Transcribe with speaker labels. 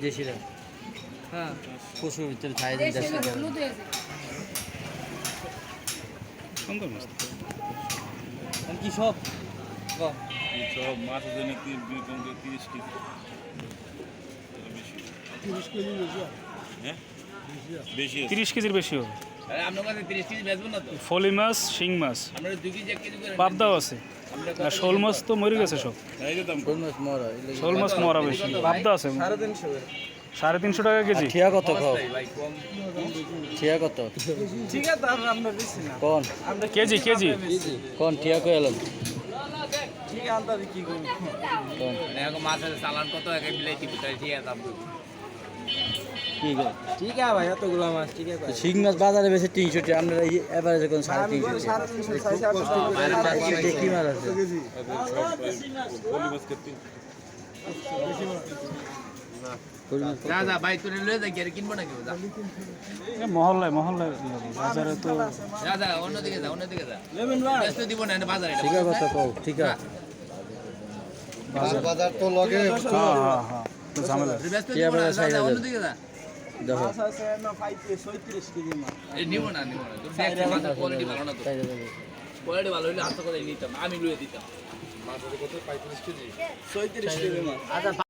Speaker 1: দেশিরা
Speaker 2: হ্যাঁ
Speaker 1: পশুর ভিতরে খাই দেশি
Speaker 3: সুন্দর মাছ
Speaker 2: কি সব
Speaker 3: সব মাছ আছে না 30 কেজি হ্যাঁ বেশি 30 কেজির বেশি হবে
Speaker 2: আপনার কাছে 30 কেজি বেচবো না তো
Speaker 3: ফলি মাছ শিং মাছ
Speaker 2: আমরা 2 কেজি 1 কেজি করে
Speaker 3: পাবদাও আছে আর শোল মাছ তো মরে গেছে সব
Speaker 1: শোল মাছ মরা
Speaker 3: শোল মাছ মরা বেশি পাবদা আছে 350 টাকা কেজি
Speaker 1: ঠিয়া কত খাও
Speaker 2: ভাই কম
Speaker 1: ঠিয়া কত
Speaker 2: ঠিক আছে আমরা বেশি না
Speaker 1: কোন
Speaker 3: কেজি কেজি
Speaker 1: কোন ঠিয়া কই এলাম
Speaker 2: ঠিক আছে আমরা কি করব
Speaker 1: কোন
Speaker 2: মানে এখন মাছের চালান কত এক বিলাইতি কোথায় ঠিক আছে আপনি
Speaker 1: কি গো
Speaker 2: ঠিক আছে ভাই এতগুলো মাছ ঠিক আছে
Speaker 1: শিং মাছ বাজারে বেশি 300 টাকা আমরা এভারেজে কোন 350 কি মাছ আছে
Speaker 2: যা যা ভাই তুই লয়ে যা গিয়ে কিনবো না কেউ যা
Speaker 3: মহল্লায় বাজারে তো
Speaker 2: যা যা অন্যদিকে যা লেমন ভাই ব্যস্ত দিব না বাজারে এটা
Speaker 1: ঠিক আছে কত কও ঠিক আছে বাজার তো লগে
Speaker 3: হ্যাঁ হ্যাঁ হ্যাঁ তো ঝামেলা
Speaker 2: ব্যস্ত দিব না যা অন্যদিকে যা
Speaker 1: দেখো
Speaker 2: আছে না 35 কেজি মাছ এই নিব না তোর দেখতে মাছ কোয়ালিটি ভালো না তো কোয়ালিটি ভালো হইলে হাতে করে নিতাম আমি লয়ে দিতাম মাছের কত 35 কেজি 36 কেজি মাছ আচ্ছা